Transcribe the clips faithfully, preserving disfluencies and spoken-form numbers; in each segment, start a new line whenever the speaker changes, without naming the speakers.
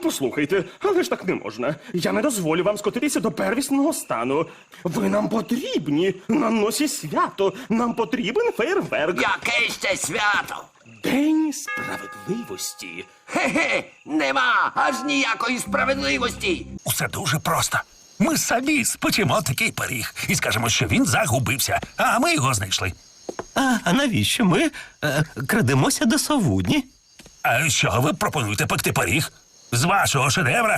Послухайте, але ж так не можна. Я не дозволю вам скотитися до первісного стану. Ви нам потрібні. На носі свято. Нам потрібен фейерверк.
Яке ще свято?
День справедливості.
Хе-хе, нема аж ніякої справедливості.
Усе дуже просто. Ми самі спечемо такий пиріг і скажемо, що він загубився, а ми його знайшли.
А, а навіщо ми е, крадемося до совудні?
А що ви пропонуєте пекти пиріг? З вашого шедевра?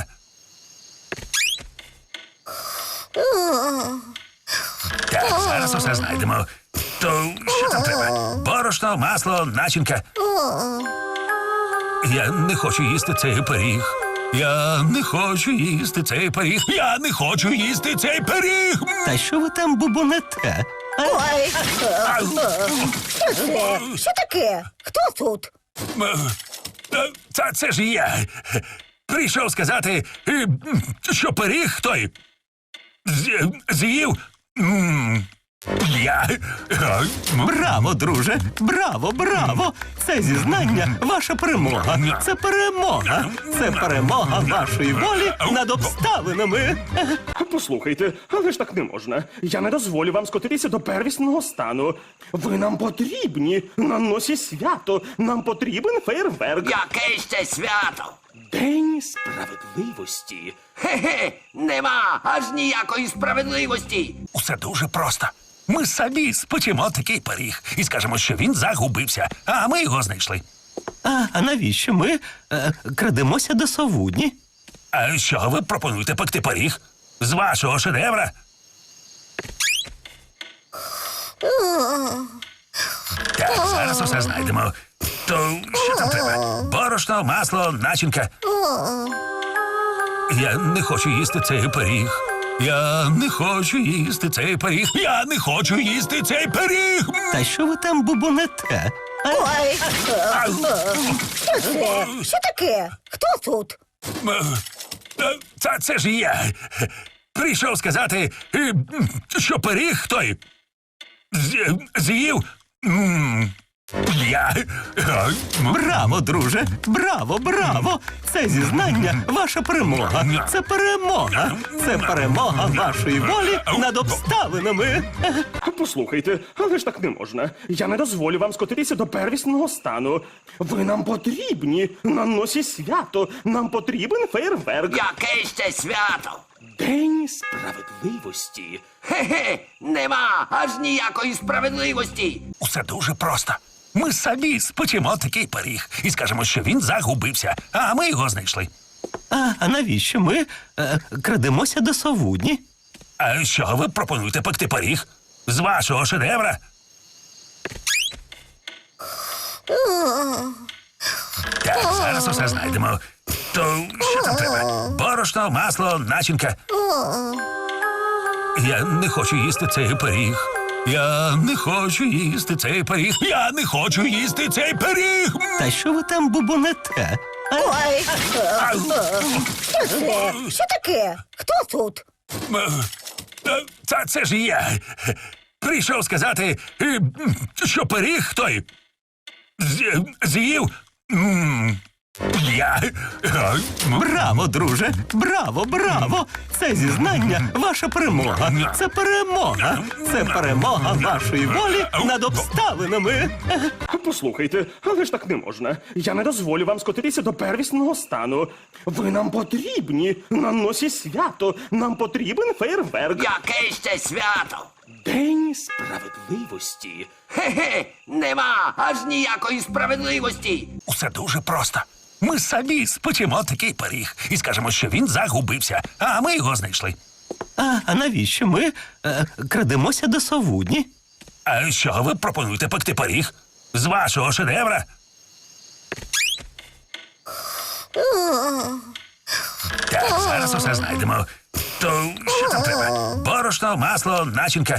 Так, зараз усе знайдемо. То що там треба? Борошно, масло, начинка. Я не хочу їсти цей пиріг. Я не хочу їсти цей пиріг. Я не хочу їсти цей пиріг.
Та що ви там бубонете? А,
Ой,
Ау.
що це? Що таке? Хто тут?
Е, Та це ж я. Прийшов сказати, е, що пиріг той з- з'їв. м, Я. Е,
браво, друже! Браво, браво! Це зізнання ваша перемога. Це перемога. Це перемога вашої волі над обставинами.
Послухайте, але ж так не можна. Я не дозволю вам скотитися до первісного стану. Ви нам потрібні. На носі свято. Нам потрібен фейерверк.
Яке ще свято?
День справедливості.
Хе-хе, нема аж ніякої справедливості.
Усе дуже просто. Ми самі спечемо такий пиріг і скажемо, що він загубився, а ми його знайшли.
А, а навіщо ми е, крадемося до совудні?
А що ви пропонуєте пекти пиріг? З вашого шедевра? Так, зараз усе знайдемо. То що там треба? Борошно, масло, начинка. Я не хочу їсти цей пиріг. Я не хочу їсти цей пиріг. Я не хочу їсти цей пиріг.
Та що ви там бубонете? А,
Ой,
Ау.
що це? Що таке? Хто тут?
Е, Та це ж я. Прийшов сказати, е, що пиріг той з- з'їв. м, Я. Е,
браво, друже! Браво, браво! Це зізнання ваша перемога. Це перемога. Це перемога вашої волі над обставинами.
Послухайте, але ж так не можна. Я не дозволю вам скотитися до первісного стану. Ви нам потрібні. На носі свято. Нам потрібен фейерверк.
Яке ще свято?
День справедливості.
Хе-хе, нема аж ніякої справедливості.
Усе дуже просто. Ми самі спечемо такий пиріг і скажемо, що він загубився, а ми його знайшли.
А, а навіщо ми е, крадемося до совудні?
А що ви пропонуєте пекти пиріг? З вашого шедевра? Так, зараз усе знайдемо. То що там треба? Борошно, масло, начинка. Я не хочу їсти цей пиріг. Я не хочу їсти цей пиріг. Я не хочу їсти цей пиріг.
Та що ви там бубонете? А,
Ой,
Ау.
що це? Що таке? Хто тут?
Е, Та це ж я. Прийшов сказати, е, що пиріг той з- з'їв. м, Я. Е,
браво, друже! Браво, браво! Це зізнання ваша перемога. Це перемога. Це перемога вашої волі над обставинами.
Послухайте, але ж так не можна. Я не дозволю вам скотитися до первісного стану. Ви нам потрібні. На носі свято. Нам потрібен фейерверк.
Яке ще свято?
День справедливості.
Хе-хе, нема аж ніякої справедливості.
Усе дуже просто. Ми самі спечемо такий пиріг і скажемо, що він загубився, а ми його знайшли.
А, а навіщо ми е, крадемося до совудні?
А що ви пропонуєте пекти пиріг? З вашого шедевра? Так, зараз усе знайдемо. То що там треба? Борошно, масло, начинка.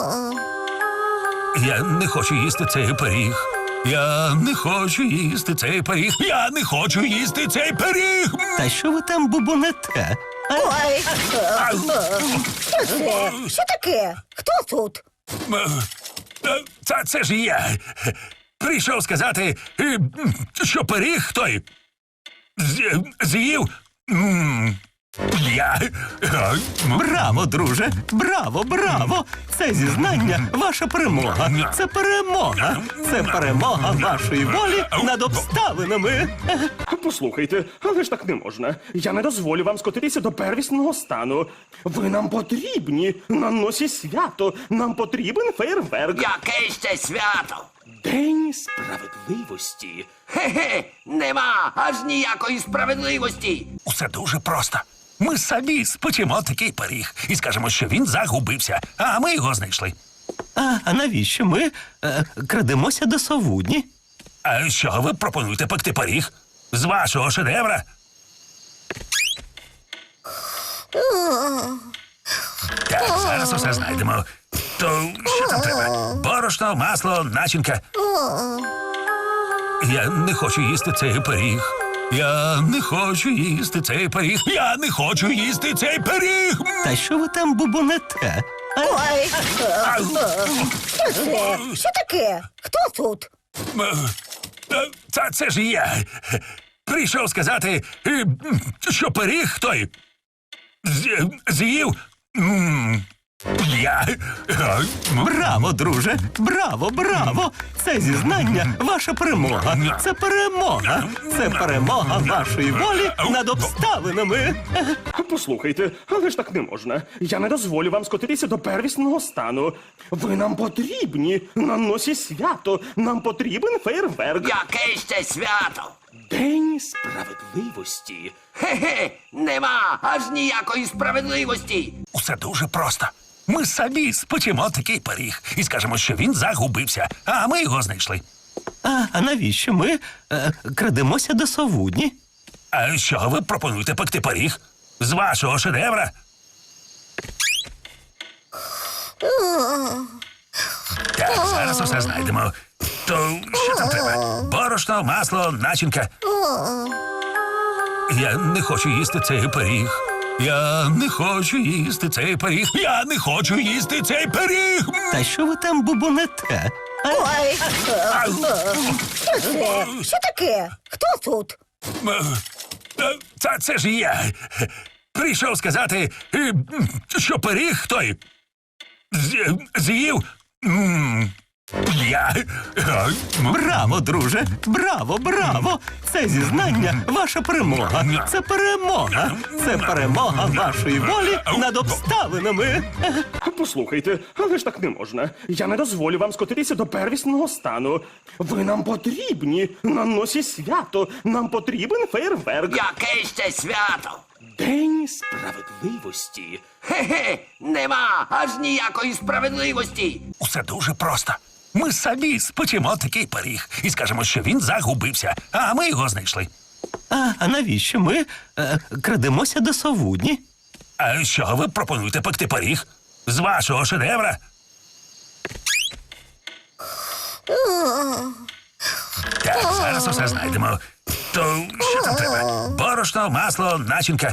Я не хочу їсти цей пиріг. Я не хочу їсти цей пиріг. Я не хочу їсти цей пиріг.
Та що ви там бубонете? А,
Ой,
Ау.
що це? Що таке? Хто тут?
Е, Та це ж я. Прийшов сказати, е, що пиріг той з- з'їв. М, Я... е, м,
Браво, друже! Браво, браво! Це зізнання ваша перемога. Це перемога. Це перемога вашої волі над обставинами.
Послухайте, але ж так не можна. Я не дозволю вам скотитися до первісного стану. Ви нам потрібні на носі свято. Нам потрібен фейерверк.
Яке ще свято?
День справедливості.
Хе-хе, нема аж ніякої справедливості.
Усе дуже просто. Ми самі спечемо такий пиріг і скажемо, що він загубився, а ми його знайшли.
А, а навіщо ми е, крадемося до совудні?
А що ви пропонуєте пекти пиріг? З вашого шедевра? Так, зараз усе знайдемо. То що там треба? Борошно, масло, начинка. Я не хочу їсти цей пиріг. Я не хочу їсти цей пиріг. Я не хочу їсти цей пиріг.
Та що ви там бубонете? А,
Ой,
Ау.
що це? Що таке? Хто тут?
Е, Та це ж я. Прийшов сказати, е, що пиріг той з- з'їв. М, Я. е, м,
Браво, друже! Браво, браво! Це зізнання ваша перемога. Це перемога. Це перемога вашої волі над обставинами.
Послухайте, але ж так не можна. Я не дозволю вам скотитися до первісного стану. Ви нам потрібні на носі свято. Нам потрібен фейерверк.
Яке ще свято?
День справедливості.
Хе-хе, нема аж ніякої справедливості.
Усе дуже просто. Ми самі спечемо такий пиріг і скажемо, що він загубився, а ми його знайшли.
А, а навіщо ми е, крадемося до совудні?
А що ви пропонуєте пекти пиріг? З вашого шедевра? Так, зараз усе знайдемо. То що там треба? Борошно, масло, начинка. Я не хочу їсти цей пиріг. Я не хочу їсти цей пиріг. Я не хочу їсти цей пиріг.
Та що ви там бубонете? А,
Ой,
Ау.
що це? Що таке? Хто тут?
Е, е, Та це ж я. Прийшов сказати, е, що пиріг той з- з'їв. М, Я. е, м,
Браво, друже! Браво, браво! Це зізнання ваша перемога. Це перемога. Це перемога вашої волі над обставинами.
Послухайте, але ж так не можна. Я не дозволю вам скотитися до первісного стану. Ви нам потрібні на носі свято. Нам потрібен фейерверк.
Яке ще свято?
День справедливості.
Хе-хе, нема аж ніякої справедливості.
Усе дуже просто. Ми самі спечемо такий пиріг і скажемо, що він загубився, а ми його знайшли.
А, а навіщо ми е, крадемося до совудні?
А що ви пропонуєте пекти пиріг? З вашого шедевра? Так, зараз усе знайдемо. То що там треба? Борошно, масло, начинка.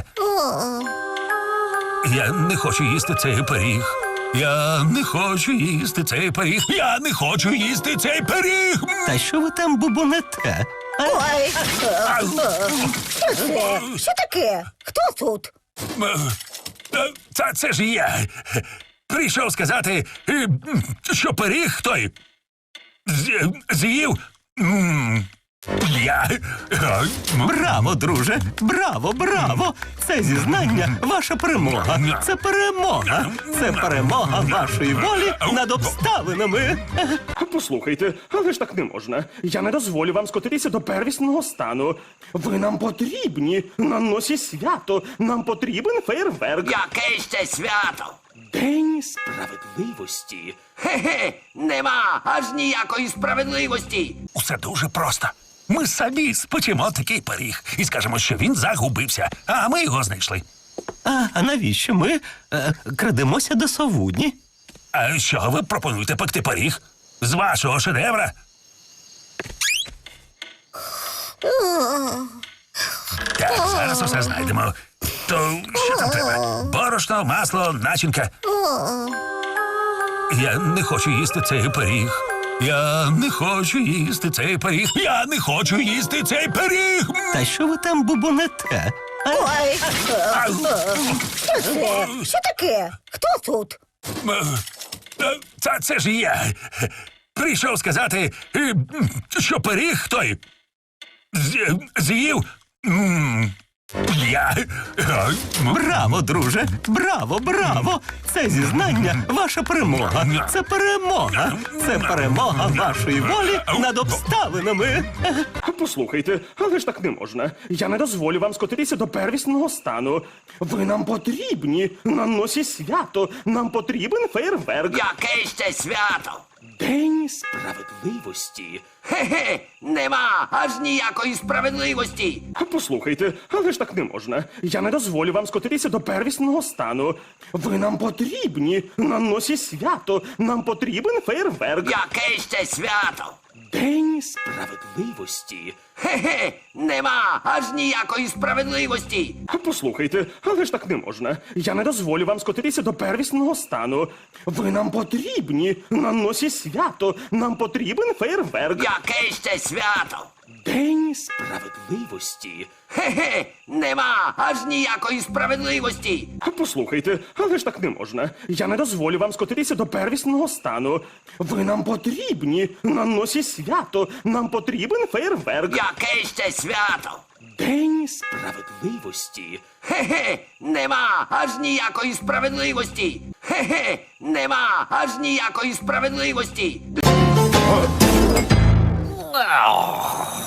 Я не хочу їсти цей пиріг. Я не хочу їсти цей пиріг. Я не хочу їсти цей пиріг.
Та що ви там бубонете? А,
Ой,
Ау.
що це? Що таке? Хто тут?
Е, е, Та це ж я. Прийшов сказати, е, що пиріг той з- з'їв. М, Я. е, м,
Браво, друже! Браво, браво! Це зізнання ваша перемога. Це перемога. Це перемога вашої волі над обставинами.
Послухайте, але ж так не можна. Я не дозволю вам скотитися до первісного стану. Ви нам потрібні на носі свято. Нам потрібен фейерверк.
Яке ще свято?
День справедливості.
Хе-хе, нема аж ніякої справедливості.
Усе дуже просто. Ми самі спечемо такий пиріг і скажемо, що він загубився, а ми його знайшли.
А, а навіщо ми е, крадемося до совудні?
А що ви пропонуєте пекти пиріг? З вашого шедевра? Так, зараз усе знайдемо. То що там треба? Борошно, масло, начинка. Я не хочу їсти цей пиріг. Я не хочу їсти цей пиріг. Я не хочу їсти цей пиріг.
Та що ви там бубонете?
Ой, що це? Що таке? Хто тут?
Е, Та це ж я. Прийшов сказати, е, м, що пиріг той з- з'їв. м, Я. Е, м,
Браво, друже! Браво, браво! Це зізнання ваша перемога. Це перемога. Це перемога вашої волі над обставинами.
Послухайте, але ж так не можна. Я не дозволю вам скотитися до первісного стану. Ви нам потрібні на носі свято. Нам потрібен фейерверк.
Яке ще свято?
День справедливості.
Хе-хе, нема аж ніякої справедливості.
Послухайте, але ж так не можна. Я не дозволю вам скотитися до первісного стану. Ви нам потрібні на носі свято. Нам потрібен фейерверк.
Яке ще свято?
День справедливості.
Хе-хе, нема аж ніякої справедливості.
Послухайте, але ж так не можна. Я не дозволю вам скотитися до первісного стану. Ви нам потрібні на носі свято. Нам потрібен фейерверк.
Яке ще свято?
День справедливості.
Хе-хе, нема аж ніякої справедливості.
Послухайте, але ж так не можна. Я не дозволю вам скотитися до первісного стану. Ви нам потрібні на носі свято. Нам потрібен фейерверк.
Яке ще свято?
День справедливості.
Хе-хе, нема аж ніякої справедливості. Хе-хе, нема аж ніякої справедливості.
ау.